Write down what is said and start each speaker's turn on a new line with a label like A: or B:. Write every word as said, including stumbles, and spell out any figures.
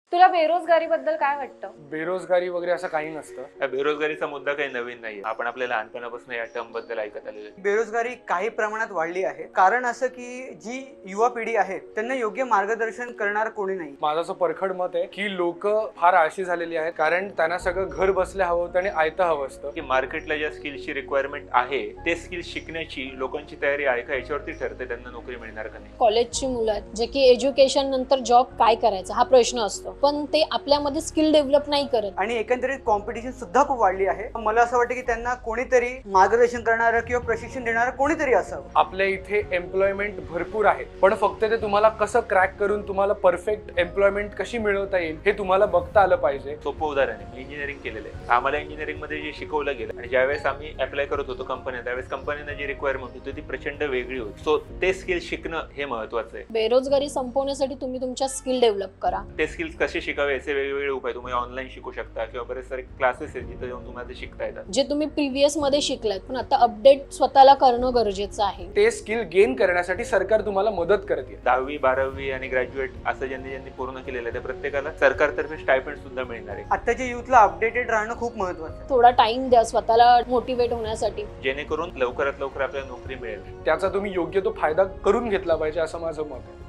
A: तुला बेरोजगारीबद्दल काय वाटतं?
B: बेरोजगारी वगैरे असं काही नसतं.
C: हा बेरोजगारीचा मुद्दा काही नवीन नाही. आपण आपल्या लहानपणापासून या टर्म बद्दल ऐकत आलेलो आहे.
D: बेरोजगारी काही प्रमाणात वाढली आहे. कारण असं की जी युवा पिढी आहे त्यांना योग्य मार्गदर्शन करणार कोणी नाही.
B: माझं असं परखड मत आहे की लोक फार आळशी झालेली आहेत, कारण त्यांना सगळं घर बसल्या हवं होतं आणि आयतं हवं असतं.
C: की मार्केटला ज्या स्किल्सची रिक्वायरमेंट आहे ते स्किल्स शिकण्याची लोकांची तयारी आहे का याच्यावरती ठरते त्यांना नोकरी मिळणार का नाही.
E: कॉलेजची मुलं आहेत जे की एज्युकेशन नंतर जॉब काय करायचा हा प्रश्न असतो, पण ते आपल्यामध्ये स्किल डेव्हलप नाही करत.
D: आणि एकंदरीत कॉम्पिटिशन सुद्धा खूप वाढली आहे. मला असं वाटतं की त्यांना कोणीतरी मार्गदर्शन करणारं किंवा प्रशिक्षण देणारं कोणीतरी असावं.
B: आपल्या इथे एम्प्लॉयमेंट भरपूर आहे, पण फक्त ते तुम्हाला कसं क्रॅक करून तुम्हाला परफेक्ट एम्प्लॉयमेंट कशी मिळवता येईल हे तुम्हाला बघता आलं पाहिजे.
C: सोपं उदाहरण आहे, मी इंजिनिअरिंग केलेलं आहे. आम्हाला इंजिनिअरिंग मध्ये जे शिकवलं गेलं आणि ज्यावेळेस आम्ही अप्लाय करत होतो कंपन्या, त्यावेळेस कंपनीनं जी रिक्वायरमेंट होती ती प्रचंड वेगळी होती. सो ते स्किल शिकणं हे महत्वाचं आहे.
E: बेरोजगारी संपवण्यासाठी तुम्ही तुमच्या स्किल डेव्हलप करा.
C: ते स्किल्स कसे शिकावे याचे वेगवेगळे उपाय तुम्ही ऑनलाईन शिकू शकता किंवा बरेच सारे क्लासेस आहेत जिथे जाऊन तुम्हाला ते शिकता येतात.
E: जे तुम्ही प्रिव्हियस मध्ये शिकलात पण आता अपडेट स्वतःला करणं गरजेचं आहे.
B: ते स्किल गेन करण्यासाठी सरकार तुम्हाला मदत करते.
C: दहावी बारावी आणि ग्रॅज्युएट असं ज्यांनी ज्यांनी पूर्ण केलेलं आहे त्या प्रत्येकाला सरकारतर्फे स्टायफंड सुद्धा मिळणार आहे.
D: आत्ताच्या युथला अपडेटेड राहणं खूप महत्वाचं आहे.
E: थोडा टाइम द्या स्वतःला मोटिवेट होण्यासाठी,
C: जेणेकरून लवकरात लवकर आपल्याला नोकरी मिळेल.
B: त्याचा तुम्ही योग्य तो फायदा करून घेतला पाहिजे असं माझं मत आहे.